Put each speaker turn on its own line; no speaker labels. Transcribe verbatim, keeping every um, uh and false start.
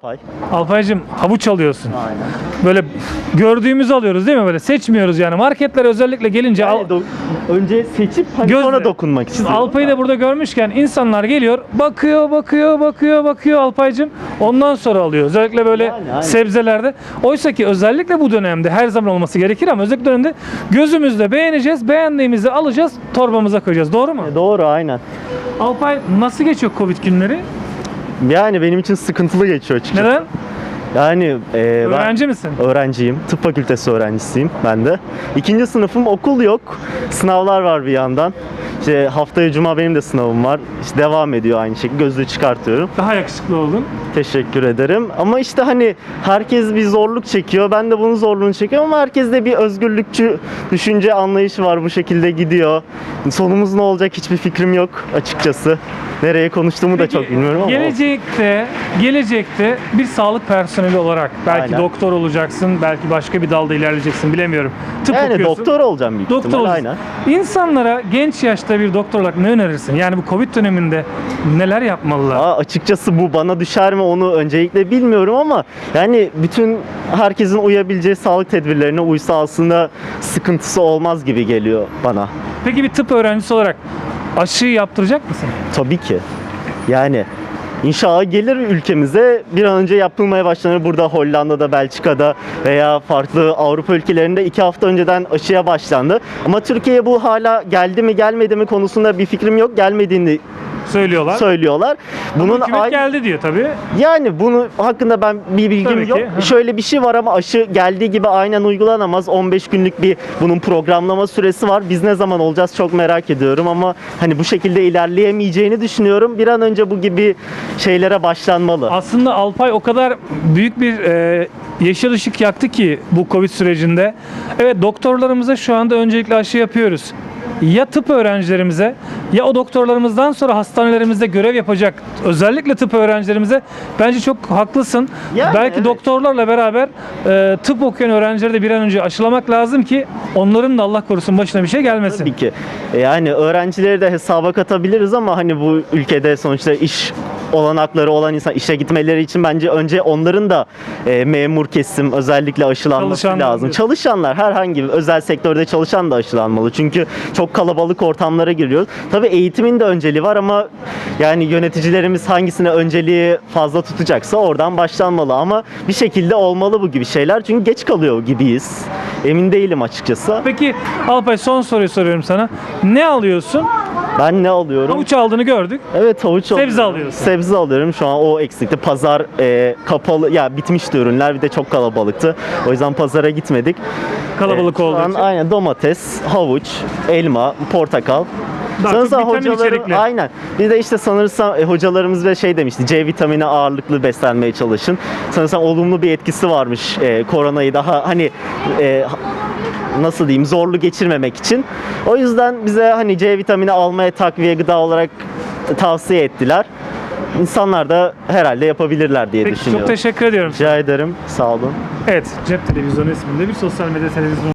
Alpay.
Alpaycığım havuç alıyorsun.
Aynen.
Böyle gördüğümüzü alıyoruz değil mi? Böyle seçmiyoruz yani. Marketlere özellikle gelince al,
Yani do- önce seçip hani
Gözle.
sonra dokunmak
Şimdi
istiyorum.
Alpay'ı da burada görmüşken insanlar geliyor, bakıyor, bakıyor, bakıyor, bakıyor Alpay'cığım. Ondan sonra alıyor. Özellikle böyle
Yani, aynen.
sebzelerde. Oysa ki özellikle bu dönemde her zaman olması gerekir ama özellikle dönemde gözümüzle beğeneceğiz, beğendiğimizi alacağız, torbamıza koyacağız. Doğru mu?
Doğru, aynen.
Alpay nasıl geçiyor Covid günleri?
Yani benim için sıkıntılı geçiyor açıkçası.
Neden?
Yani e, ben
Öğrenci misin?
öğrenciyim. Tıp fakültesi öğrencisiyim ben de. İkinci sınıfım, okul yok. Sınavlar var bir yandan. İşte haftaya cuma benim de sınavım var. İşte devam ediyor aynı şekilde. Gözlüğü çıkartıyorum.
Daha yakışıklı oldun.
Teşekkür ederim. Ama işte hani herkes bir zorluk çekiyor. Ben de bunun zorluğunu çekiyorum ama herkeste bir özgürlükçü düşünce anlayışı var. Bu şekilde gidiyor. Sonumuz ne olacak hiçbir fikrim yok açıkçası. Nereye konuştuğumu da çok bilmiyorum ama.
Gelecekte, gelecekte bir sağlık personeli olarak belki
Aynen.
doktor olacaksın, belki başka bir dalda ilerleyeceksin bilemiyorum. Tıp
Yani
okuyorsun.
doktor olacağım büyük
Doktor
ihtimal.
olacaksın.
Aynen.
İnsanlara genç yaşta bir doktor olarak ne önerirsin? Yani bu Covid döneminde neler yapmalılar?
Aa, açıkçası bu bana düşer mi onu öncelikle bilmiyorum ama yani bütün herkesin uyabileceği sağlık tedbirlerine uysa aslında sıkıntısı olmaz gibi geliyor bana.
Peki bir tıp öğrencisi olarak aşıyı yaptıracak mısın?
Tabii ki. Yani inşallah gelir ülkemize, bir an önce yapılmaya başlanır. Burada Hollanda'da, Belçika'da veya farklı Avrupa ülkelerinde iki hafta önceden aşıya başlandı. Ama Türkiye'ye bu hala geldi mi gelmedi mi konusunda bir fikrim yok. Gelmediğini
Söylüyorlar.
söylüyorlar.
Bunun
Bunun ay-
geldi diyor tabii.
Yani bunu hakkında ben bir bilgim
Tabii ki.
yok.
Hı.
Şöyle bir şey var ama aşı geldiği gibi aynen uygulanamaz. on beş günlük bir bunun programlama süresi var. Biz ne zaman olacağız çok merak ediyorum ama hani bu şekilde ilerleyemeyeceğini düşünüyorum. Bir an önce bu gibi şeylere başlanmalı.
Aslında Alpay o kadar büyük bir e, yeşil ışık yaktı ki bu Covid sürecinde. Evet, doktorlarımıza şu anda öncelikle aşı yapıyoruz. Ya tıp öğrencilerimize ya o doktorlarımızdan sonra hastanelerimizde görev yapacak özellikle tıp öğrencilerimize bence çok haklısın.
Yani
Belki
evet.
doktorlarla beraber e, tıp okuyan öğrencileri de bir an önce aşılamak lazım ki onların da Allah korusun başına bir şey gelmesin.
Tabii ki. E, Yani öğrencileri de hesaba katabiliriz ama hani bu ülkede sonuçta iş olanakları olan insan işe gitmeleri için bence önce onların da e, memur kesim özellikle aşılanması
Çalışanlar
lazım.
diyorsun.
Çalışanlar, herhangi bir özel sektörde çalışan da aşılanmalı. Çünkü çok kalabalık ortamlara giriyoruz. Tabii eğitimin de önceliği var ama yani yöneticilerimiz hangisine önceliği fazla tutacaksa oradan başlanmalı ama bir şekilde olmalı bu gibi şeyler. Çünkü geç kalıyor gibiyiz. Emin değilim açıkçası.
Peki Alpay, son soruyu soruyorum sana. Ne alıyorsun?
Ben ne alıyorum?
Havuç aldığını gördük.
Evet, havuç
Sebze
alıyorum.
alıyorsun.
Sebze alıyorum. Şu an o eksikti. Pazar e, kapalı. Ya bitmişti ürünler. Bir de çok kalabalıktı. O yüzden pazara gitmedik.
Kalabalık
E, şu
olduğu
an
için.
aynen domates, havuç, elma, portakal.
Daha çok vitamin içerikli.
aynen. Bir de işte sanırsam e, hocalarımız ve şey demişti. C vitamini ağırlıklı beslenmeye çalışın. Sanırsam olumlu bir etkisi varmış e, koronayı daha hani e, nasıl diyeyim zorlu geçirmemek için. O yüzden bize hani C vitamini almaya takviye gıda olarak tavsiye ettiler. İnsanlar da herhalde yapabilirler diye
Peki,
düşünüyorum.
çok teşekkür ediyorum.
Rica ederim. Sağ olun.
Evet, Cep Televizyonu isminde bir sosyal medya televizyonu